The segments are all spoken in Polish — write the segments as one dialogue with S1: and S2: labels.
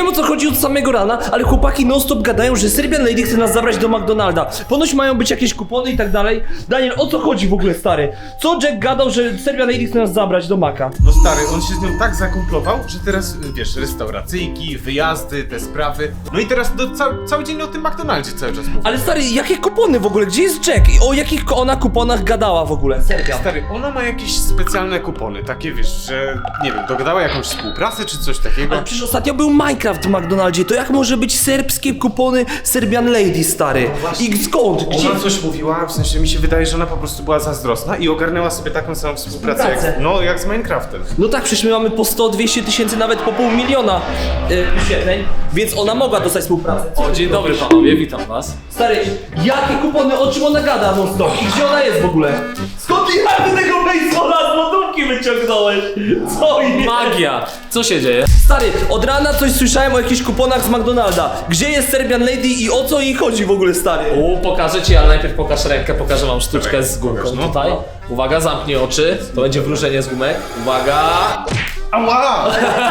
S1: wiem o co chodzi od samego rana, ale chłopaki non stop gadają, że Serbian Lady chce nas zabrać do McDonalda. Ponoć mają być jakieś kupony i tak dalej. Daniel, o co chodzi w ogóle, stary? Co Jack gadał, że Serbian Lady chce nas zabrać do Maka?
S2: No stary, on się z nią tak zakumplował, że teraz, wiesz, restauracyjki, wyjazdy, te sprawy. No i teraz cały dzień o tym McDonaldzie cały czas mówi.
S1: Ale stary, jakie kupony w ogóle? Gdzie jest Jack? I o jakich ona kuponach gadała w ogóle? Serbian.
S2: Stary, ona ma jakieś specjalne kupony, takie wiesz, że nie wiem, dogadała jakąś współpracę czy coś takiego.
S1: Ale przecież ostatnio był Minecraft w McDonaldzie, to jak może być serbskie kupony Serbian Lady, stary? I skąd? Gdzie?
S2: Ona coś mówiła, w sensie mi się wydaje, że ona po prostu była zazdrosna i ogarnęła sobie taką samą współpracę jak z Minecraftem.
S1: No tak, przecież my mamy po 100-200 tysięcy, nawet po $500 000 wyświetleń, więc ona mogła dostać współpracę.
S3: O, dzień dobry panowie, witam was.
S1: Stary, jakie kupony, o czym ona gada non stop? I gdzie ona jest w ogóle? Skąd ty tego baseballa z lodówki wyciągnąłeś? Co jest?
S3: Magia! Co się dzieje?
S1: Stary, od rana coś słyszałem o jakichś kuponach z McDonalda. Gdzie jest Serbian Lady i o co jej chodzi w ogóle, stary?
S3: Pokażę ci, ale najpierw pokaż rękę, pokażę wam sztuczkę z gumką
S2: pokaż, no.
S3: tutaj. Uwaga, zamknij oczy, to będzie wróżenie z gumek. Uwaga!
S2: Ała!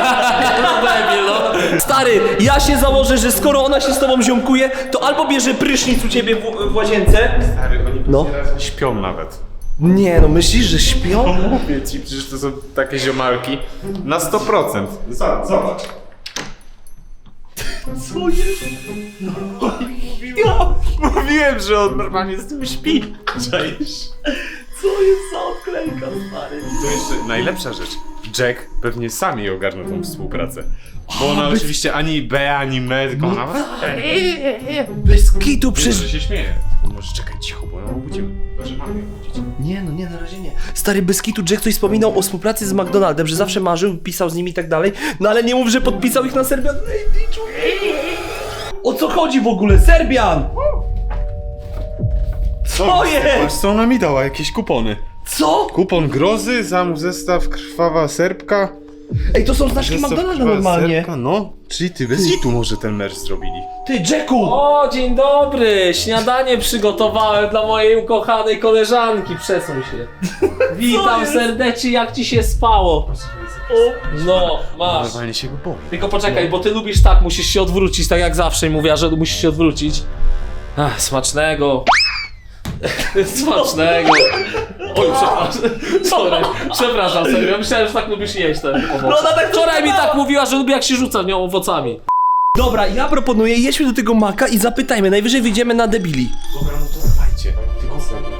S1: Stary, ja się założę, że skoro ona się z tobą ziomkuje, to albo bierze prysznic u ciebie w łazience.
S2: Stary, oni
S1: No.
S2: teraz śpią nawet.
S1: Nie, no myślisz, że śpią?
S2: Mówię ci, przecież to są takie ziomalki. Na 100%. Zobacz.
S1: Co jest?
S2: Mówiłem, że on normalnie z tym śpi. Czaisz?
S1: Co jest za odklejka, stary?
S2: To jeszcze najlepsza rzecz. Jack pewnie sam jej ogarnął tą współpracę. Bo ona oczywiście ani B, ani me, tylko ona...
S1: Bez kitu przez...
S2: Że się śmieje. Może czekaj cicho, bo ją obudzimy. Proszę mamy ją obudzić.
S1: Nie, no nie, na razie nie. Stary, bez kitu Jack coś wspominał o współpracy z McDonaldem, że zawsze marzył, pisał z nimi i tak dalej. No ale nie mów, że podpisał ich na Serbian Lady, człowieku. O co chodzi w ogóle? Serbian! Co jest?
S2: Patrz, co ona mi dała, jakieś kupony.
S1: Co?
S2: Kupon grozy, zestaw krwawa serbka.
S1: Ej, to są znaczki
S2: Zestaw
S1: McDonalda
S2: krwawa
S1: normalnie.
S2: Serbka, no. Czyli ty bez hitu może ten merch zrobili.
S1: Ty, Jacku!
S3: O, dzień dobry! Śniadanie przygotowałem dla mojej ukochanej koleżanki, przesuń się. Witam serdecznie, jak ci się spało? No, masz.
S2: Normalnie się go boi.
S3: Tylko poczekaj, bo ty lubisz tak, musisz się odwrócić, tak jak zawsze mówiła, że musisz się odwrócić. Ach, smacznego. Smacznego. Oj, przepraszam serio, myślałem, że tak lubisz jeść ten owoc.
S1: No ona tak
S3: Wczoraj mi tak mówiła, że lubi jak się rzuca w nią owocami.
S1: Dobra, ja proponuję, jedźmy do tego Maka i zapytajmy, najwyżej wyjdziemy na debili.
S2: Dobra, no to dawajcie. Tylko serio.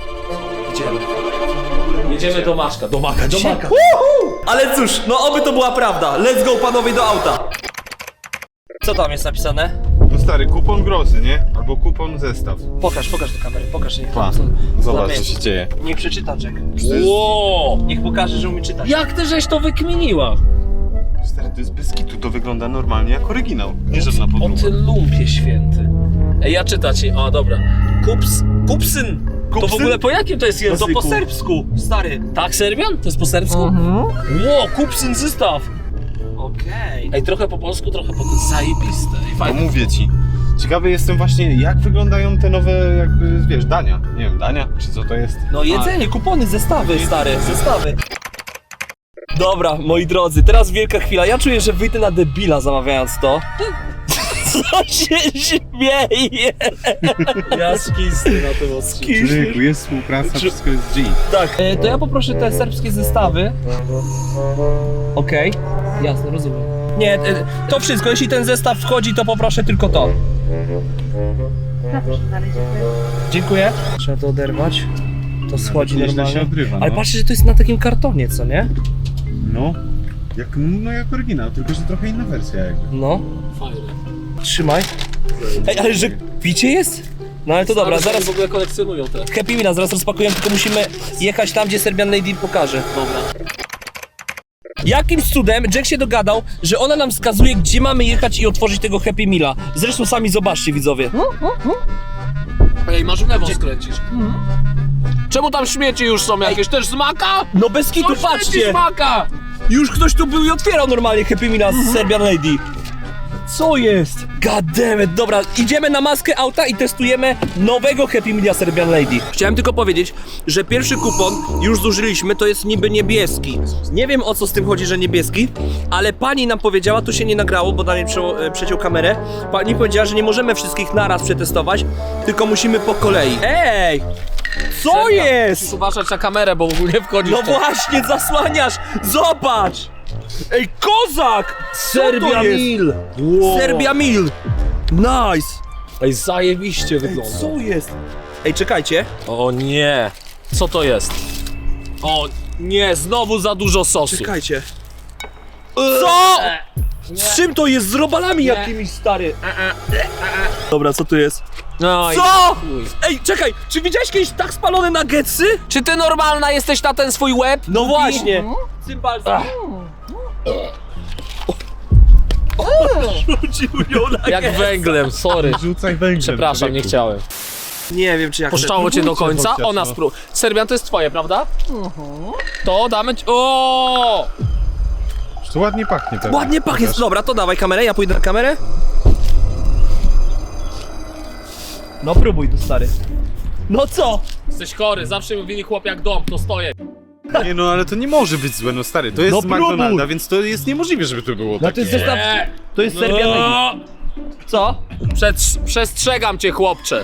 S3: Jedziemy do Maszka, do Maka, do Maka.
S1: Ale cóż, no oby to była prawda. Let's go, panowie, do auta. Co tam jest napisane?
S2: No stary, kupon grozy, nie? Albo kupon zestaw.
S1: Pokaż do kamery, pokaż. Niech
S2: Pa, zobacz co się dzieje.
S1: Niech przeczyta Jack.
S3: Wow!
S1: Niech pokaże, że umie czytać.
S3: Jak ty żeś to wykminiła?
S2: Stary, to jest bez kitu, to wygląda normalnie jak oryginał. Nie żadna
S3: O
S2: podróba.
S3: ty lumpie święty. Ej, ja czytam ci, o dobra. Kupsyn. To w ogóle po jakim to jest
S1: To
S3: języku?
S1: po serbsku, stary.
S3: Tak, Serbian? To jest po serbsku? Ło, kupsyn zestaw.
S1: Okej.
S3: Ej, trochę po polsku, trochę po zajebiste. Ej,
S2: No
S3: fajnie.
S2: mówię ci. Ciekawy jestem właśnie, jak wyglądają te nowe, jakby, wiesz, dania. Nie wiem, dania? Czy co to jest?
S1: No jedzenie, kupony, zestawy, stary, zestawy. Dobra, moi drodzy, teraz wielka chwila. Ja czuję, że wyjdę na debila zamawiając to. Co się śmieje?
S3: Ja skisty na tym odcinku.
S2: Człowieku, jest współpraca, wszystko jest G.
S1: Tak. To ja poproszę te serbskie zestawy. Okej. Jasne, rozumiem. Nie, to wszystko. Jeśli ten zestaw wchodzi, to poproszę tylko to.
S4: Zapraszam dalej, dziękuję.
S1: Dziękuję. Trzeba to oderwać. To schodzi
S2: Nieźle
S1: normalnie.
S2: się odrywa,
S1: Ale
S2: no.
S1: patrzcie, że to jest na takim kartonie, co nie?
S2: No. Jak oryginał, tylko że trochę inna wersja jakby.
S1: No.
S3: Fajne.
S1: Trzymaj. Ej, ale że picie jest? No ale to dobra, zaraz
S3: w ogóle kolekcjonują te.
S1: Happy Meal, zaraz rozpakujemy, tylko musimy jechać tam, gdzie Serbian Lady pokaże.
S3: Dobra.
S1: Jakimś cudem Jack się dogadał, że ona nam wskazuje, gdzie mamy jechać i otworzyć tego Happy Meala. Zresztą sami zobaczcie, widzowie.
S3: Ej, masz w lewo skręcisz. Czemu tam śmieci już są jakieś? Też z Maka?
S1: No bez kitu,
S3: Śmieci
S1: patrzcie!
S3: z Maka!
S1: Już ktoś tu był i otwierał normalnie Happy Meala z Serbian Lady. Co jest? God damn it. Dobra, idziemy na maskę auta i testujemy nowego Happy Meala Serbian Lady. Chciałem tylko powiedzieć, że pierwszy kupon już zużyliśmy, to jest niby niebieski. Nie wiem, o co z tym chodzi, że niebieski, ale pani nam powiedziała, to się nie nagrało, bo Daniel przeciął kamerę. Pani powiedziała, że nie możemy wszystkich naraz przetestować, tylko musimy po kolei. Ej! Co
S3: Serbia,
S1: jest?
S3: Musisz uważać na kamerę, bo ogólnie wchodzisz
S1: No
S3: w to.
S1: właśnie, zasłaniasz! Zobacz! Ej, kozak! Co to
S3: Serbia
S1: jest?
S3: Meal! Wow.
S1: Serbia Meal! Nice!
S3: Ej, zajebiście
S1: Ej,
S3: wygląda.
S1: co jest? Ej, czekajcie.
S3: O nie! Co to jest? O nie, znowu za dużo sosu.
S1: Czekajcie. Co? Z czym to jest? Z robalami jakimiś, stary. Dobra, co tu jest?
S3: No i
S1: Co?
S3: chuj.
S1: Ej, czekaj, czy widziałeś kiedyś tak spalone nuggetsy?
S3: Czy ty normalna jesteś na ten swój łeb?
S1: No właśnie. Cymbal. Rzucił ją
S3: Jak
S1: nuggets.
S3: węglem, sorry.
S2: Rzucaj węglem.
S3: Przepraszam, nie chciałem.
S1: Nie wiem, czy jak...
S3: Puszczało cię do końca?
S2: chociaż,
S3: Ona
S2: no.
S3: sprób. Serbian to jest twoje, prawda? To damy ci... O!
S2: To ładnie pachnie teraz.
S1: Ładnie pachnie. Dobra, to dawaj kamerę, ja pójdę na kamerę. No próbuj tu, stary. No co?
S3: Jesteś chory, zawsze mówili chłop jak dom, to stoję.
S2: Nie no, ale to nie może być złe, no stary. To jest
S1: No
S2: z McDonalda,
S1: próbuj.
S2: więc to jest niemożliwe, żeby to było
S1: No
S2: takie.
S1: to jest zestaw... To jest Serbia Lady.
S3: No.
S1: Co?
S3: Przestrzegam cię, chłopcze.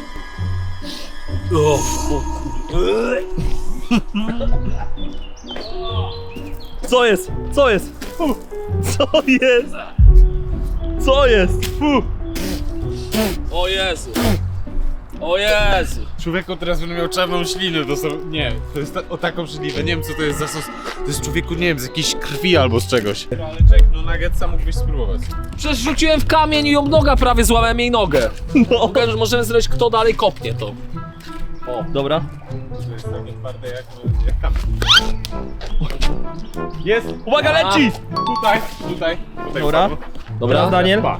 S1: Co jest? Co jest? Fu. Co jest? Co jest? Fu.
S3: O Jezu. O Jezu.
S2: Człowieku teraz będę miał czarną ślinę, to są... Nie, to jest o tak obrzydliwe, nie wiem co to jest za sos. To jest człowieku, nie wiem, z jakiejś krwi albo z czegoś. Ale czek, no nuggetsa mógłbyś spróbować.
S3: Przecież rzuciłem w kamień i ją noga prawie złamałem jej nogę.
S1: No.
S3: Możemy zrobić, kto dalej kopnie to. O.
S1: Dobra.
S2: To jest takie twarde jak kamień. Jest!
S1: Uwaga, leci!
S2: Tutaj.
S1: Dobra.
S2: wpadło.
S1: Dobra, Daniel.
S2: Pa.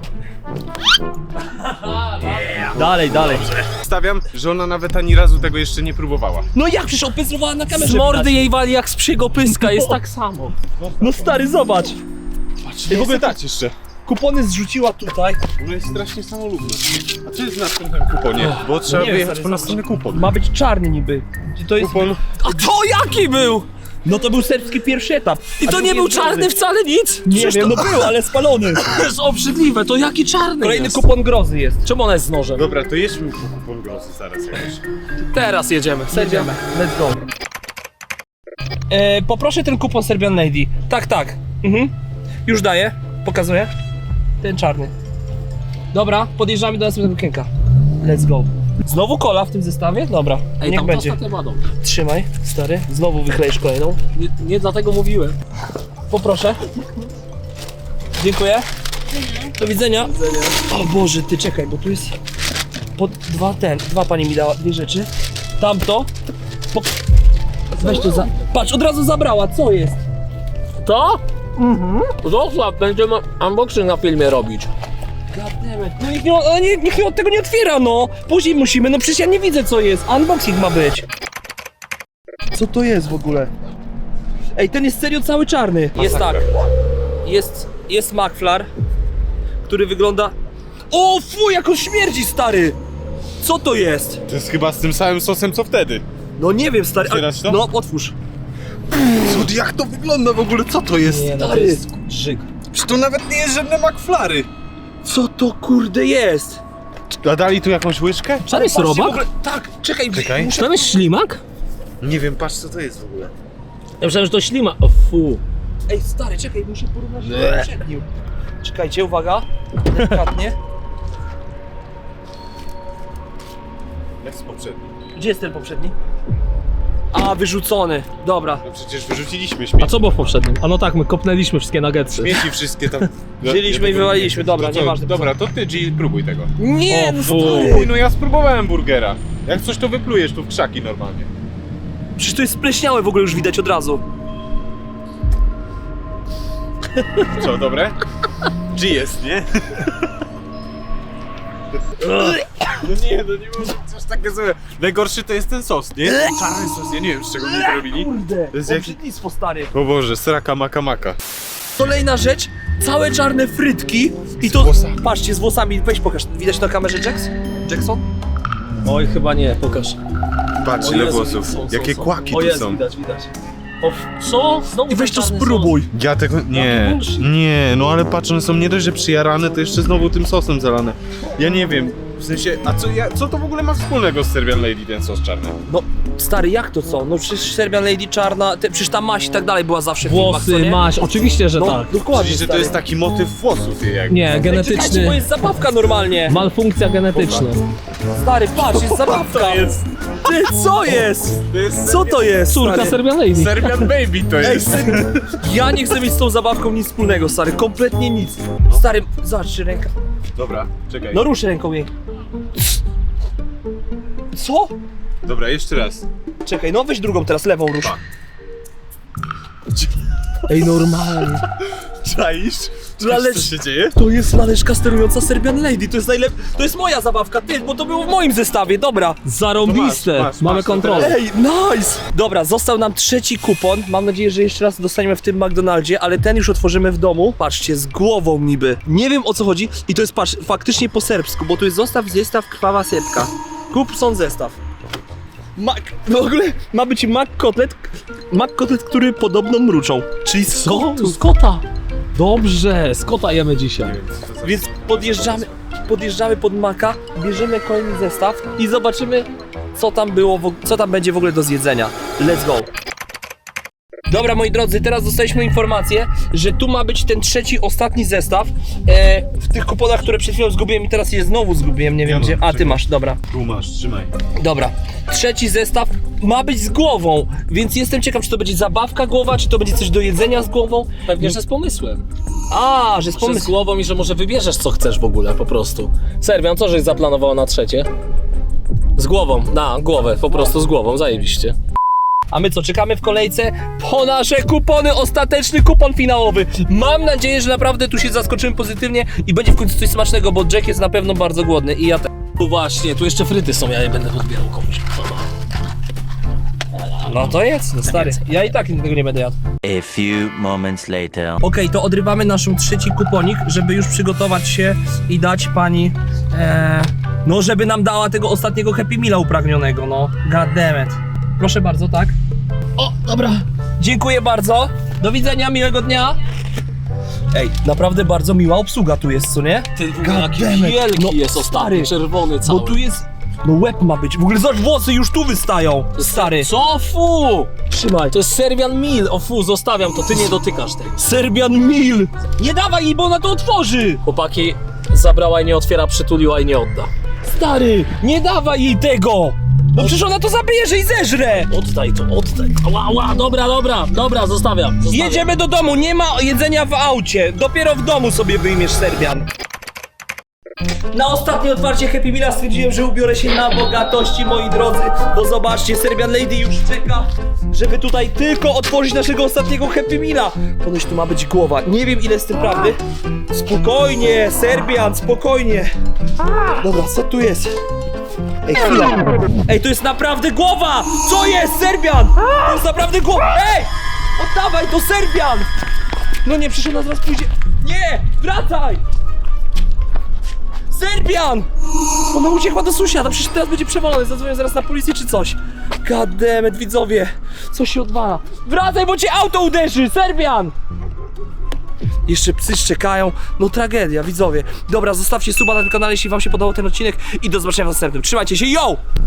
S1: Dalej, dalej.
S2: Stawiam, że ona nawet ani razu tego jeszcze nie próbowała.
S1: No jak przecież opyzrowała na kamerze?
S3: Z mordy
S1: widać.
S3: jej wali jak z psiego pyska, jest tak samo.
S1: No stary, zobacz.
S2: Patrz,
S1: w ogóle
S2: dać jeszcze.
S1: Kupony zrzuciła tutaj.
S2: Ona jest strasznie samolubna. A co jest w następnym kuponie? Bo trzeba
S1: nie,
S2: wyjechać
S1: stary,
S2: po następny kupon.
S1: Ma być czarny niby. To jest...
S2: Kupon.
S3: A to jaki był?
S1: No to był serbski pierwszy etap.
S3: I
S1: A
S3: to
S1: drugi
S3: nie był
S1: jest
S3: czarny
S1: grozy.
S3: wcale nic?
S1: Nie
S3: Przecież
S1: wiem,
S3: to
S1: no był, ale spalony.
S3: to jest obrzydliwe, to jaki czarny
S1: Kolejny
S3: jest?
S1: kupon grozy jest.
S3: Czemu ona jest z nożem?
S2: Dobra, to jedźmy po kupon grozy zaraz jakoś.
S3: Teraz jedziemy.
S1: Jedziemy. Let's go. Poproszę ten kupon Serbian Lady. Tak, tak. Mhm. Już daję. Pokazuję. Ten czarny. Dobra, podjeżdżamy do następnego okienka. Let's go. Znowu kola w tym zestawie? Dobra,
S3: Ej,
S1: niech
S3: tam
S1: będzie.
S3: ostatnia ma dom.
S1: Trzymaj, stary. Znowu wykleisz kolejną.
S3: Nie dlatego mówiłem.
S1: Poproszę. Dziękuję. Do widzenia. O Boże, ty czekaj, bo tu jest dwa pani mi dała, dwie rzeczy. Tamto. Weź to za... Patrz, od razu zabrała, co jest?
S3: To? Mhm. Zostaw, będziemy unboxing na filmie robić.
S1: Goddammit. No nikt od tego nie otwiera, no. Później musimy, no przecież ja nie widzę co jest. Unboxing ma być. Co to jest w ogóle? Ej, ten jest serio cały czarny. Jest tak. Jest McFlar, który wygląda... O fuj, jak on śmierdzi, stary! Co to jest?
S2: To jest chyba z tym samym sosem co wtedy.
S1: No nie wiem, stary.
S2: Otwierasz to?
S1: No, otwórz.
S2: Co, jak to wygląda w ogóle? Co to jest?
S1: No to jest drzyg.
S2: Przecież to nawet nie jest żadne McFlary.
S1: Co to kurde jest?
S2: A dali tu jakąś łyżkę?
S3: Czy tam jest
S1: Patrzcie, w
S3: robak?
S1: ogóle- Tak, czekaj.
S2: Czekaj.
S3: Czy tam jest ślimak?
S2: Nie wiem, patrz co to jest w ogóle.
S3: Ja myślałem, że to ślimak. O fu.
S1: Ej, stary, czekaj, muszę porównać do poprzednim. Czekajcie, uwaga. Delikatnie.
S2: Jak z poprzednim.
S1: Gdzie jest ten poprzedni? A, wyrzucony. Dobra.
S2: No przecież wyrzuciliśmy śmieci.
S3: A co było w poprzednim? A no tak, my kopnęliśmy wszystkie nuggetsy.
S2: Śmieci wszystkie tam.
S1: Wzięliśmy i wywaliliśmy, dobra,
S2: To co?
S1: nieważne.
S2: Dobra, to ty G, próbuj tego.
S1: Nie,
S3: O,
S1: no
S3: fu.
S1: stary.
S2: Uj, no ja spróbowałem burgera. Jak coś to wyplujesz tu w krzaki normalnie.
S1: Przecież to jest spleśniałe w ogóle już widać od razu.
S2: Co, dobre? G jest, nie? No nie, no nie może być coś takie złe. Najgorszy to jest ten sos, nie? Ten czarny sos, ja nie wiem z czego mnie to robili.
S1: Kurde,
S2: To jest jak-
S1: obrzydlistwo, stary.
S2: O Boże, sraka maka maka.
S1: Kolejna rzecz, całe czarne frytki I
S2: Z
S1: to,
S2: włosami.
S1: patrzcie, z włosami, weź pokaż, widać na kamerze Jackson?
S3: Oj, chyba nie, pokaż.
S2: Patrz
S3: O
S2: ile
S3: Jezu,
S2: włosów.
S3: są,
S2: Jakie
S3: są.
S2: kłaki
S1: O
S2: tu
S1: jest,
S2: są.
S1: widać.
S3: O, co? Znowu
S1: I weź
S3: ten
S1: to
S3: czarny
S1: spróbuj.
S2: Ja tego... Nie,
S3: bullshit.
S2: nie, no ale patrz, one są nie dość, że przyjarane, to jeszcze znowu tym sosem zalane. Ja nie wiem, w sensie, a co to w ogóle ma wspólnego z Serbian Lady, ten sos czarny?
S1: No, stary, jak to co? No przecież Serbian Lady czarna, przecież ta maść i tak dalej była zawsze w filmach, co
S3: Włosy,
S1: nie?
S3: maś, oczywiście, że
S1: No,
S3: tak.
S1: dokładnie,
S2: Czyli, że to
S1: stary.
S2: jest taki motyw włosów jak...
S3: Nie,
S1: Czekajcie, bo
S3: genetyczny.
S1: jest zabawka normalnie.
S3: Malfunkcja genetyczna.
S1: Stary, patrz, jest zabawka. Ty, co jest?
S2: To jest
S1: Co to jest,
S3: Córka
S1: stary?
S3: Serbian Lady.
S2: Serbian Baby to
S1: Ej,
S2: jest.
S1: ja nie chcę mieć z tą zabawką nic wspólnego, stary, kompletnie nic. Stary, zobacz, czy ręka.
S2: Dobra, czekaj.
S1: No rusz ręką jej. Co?
S2: Dobra, jeszcze raz.
S1: Czekaj, no weź drugą teraz, lewą rusz.
S2: Pa.
S3: Ej, normalnie.
S2: Czaisz?
S1: Ale-
S2: Co się dzieje?
S1: To jest laleczka sterująca Serbian Lady, to jest to jest moja zabawka, ty, bo to było w moim zestawie, dobra.
S3: Zarąbiste.
S2: masz,
S3: Mamy
S2: masz, to
S3: kontrolę.
S1: Ej, nice! Dobra, został nam trzeci kupon. Mam nadzieję, że jeszcze raz dostaniemy w tym McDonaldzie, ale ten już otworzymy w domu. Patrzcie, z głową niby. Nie wiem o co chodzi i to jest, patrz, faktycznie po serbsku, bo tu jest zestaw krwawa sepka. Kup są zestaw. W ogóle ma być McKotlet, który podobno mruczą. Czyli z
S3: Co?
S1: kotu.
S3: Z kota. Dobrze, z kota jemy dzisiaj.
S1: Więc podjeżdżamy pod Maka, bierzemy kolejny zestaw i zobaczymy, co tam było, co tam będzie w ogóle do zjedzenia. Let's go! Dobra, moi drodzy, teraz dostaliśmy informację, że tu ma być ten trzeci, ostatni zestaw. W tych kuponach, które przed chwilą zgubiłem i teraz je znowu zgubiłem, nie wiem
S2: Ja
S1: gdzie.
S2: mam,
S1: A, ty
S2: czekaj.
S1: masz, dobra.
S2: Tu masz, trzymaj.
S1: Dobra, trzeci zestaw ma być z głową, więc jestem ciekaw, czy to będzie zabawka głowa, czy to będzie coś do jedzenia z głową.
S3: Pewnie, że z pomysłem.
S1: A, że z
S3: Że z
S1: pomysłem.
S3: głową i że może wybierzesz co chcesz w ogóle, po prostu. Serbian, co żeś zaplanowała na trzecie? Z głową, na głowę, po prostu z głową, zajebiście.
S1: A my co, czekamy w kolejce po nasze kupony, ostateczny kupon finałowy. Mam nadzieję, że naprawdę tu się zaskoczymy pozytywnie i będzie w końcu coś smacznego, bo Jack jest na pewno bardzo głodny i ja
S3: Tu właśnie, tu jeszcze fryty są, ja je będę odbierał komuś.
S1: No to jest, no stary, ja i tak tego nie będę jadł.
S4: A few moments later.
S1: Okej, to odrywamy naszą trzeci kuponik, żeby już przygotować się i dać pani, no żeby nam dała tego ostatniego Happy Meala upragnionego, no. God damn it. Proszę bardzo, tak? O, dobra. Dziękuję bardzo. Do widzenia, miłego dnia. Ej, naprawdę bardzo miła obsługa tu jest, co nie?
S3: Ten
S1: God
S3: jaki
S1: damn it.
S3: wielki
S1: No,
S3: jest ostatni,
S1: stary,
S3: czerwony cały.
S1: Bo tu jest, no łeb ma być. W ogóle zobacz, włosy już tu wystają, stary.
S3: Co? Fu! Trzymaj, to jest Serbian Meal. O fu, zostawiam to, ty nie dotykasz tego.
S1: Serbian Meal. Nie dawaj jej, bo ona to otworzy.
S3: Chłopaki, zabrała i nie otwiera, przytuliła i nie odda.
S1: Stary, nie dawaj jej tego. Bo przecież ona to zabierze i zeżre.
S3: Oddaj to, oddaj. Ała, dobra, zostawiam.
S1: Jedziemy do domu, nie ma jedzenia w aucie. Dopiero w domu sobie wyjmiesz Serbian. Na ostatnie otwarcie Happy Meala stwierdziłem, że ubiorę się na bogatości, moi drodzy. Bo zobaczcie, Serbian Lady już czeka, żeby tutaj tylko otworzyć naszego ostatniego Happy Meala. Ponoć tu ma być głowa. Nie wiem, ile jest tym prawdy. Spokojnie, Serbian, spokojnie. Dobra, co tu jest? Ej, chwila. Ej, to jest naprawdę głowa! Co jest, Serbian? To jest naprawdę głowa! Ej! Oddawaj, to Serbian! No nie, przecież ona zaraz pójdzie. Nie! Wracaj! Serbian! Ona uciekła do sąsiada, przecież teraz będzie przewalony, zadzwonię zaraz na policję czy coś. God damn it, widzowie! Co się odwala? Wracaj, bo cię auto uderzy! Serbian! Jeszcze psy szczekają, no tragedia, widzowie. Dobra, zostawcie suba na tym kanale, jeśli wam się podobał ten odcinek i do zobaczenia w następnym. Trzymajcie się, yo!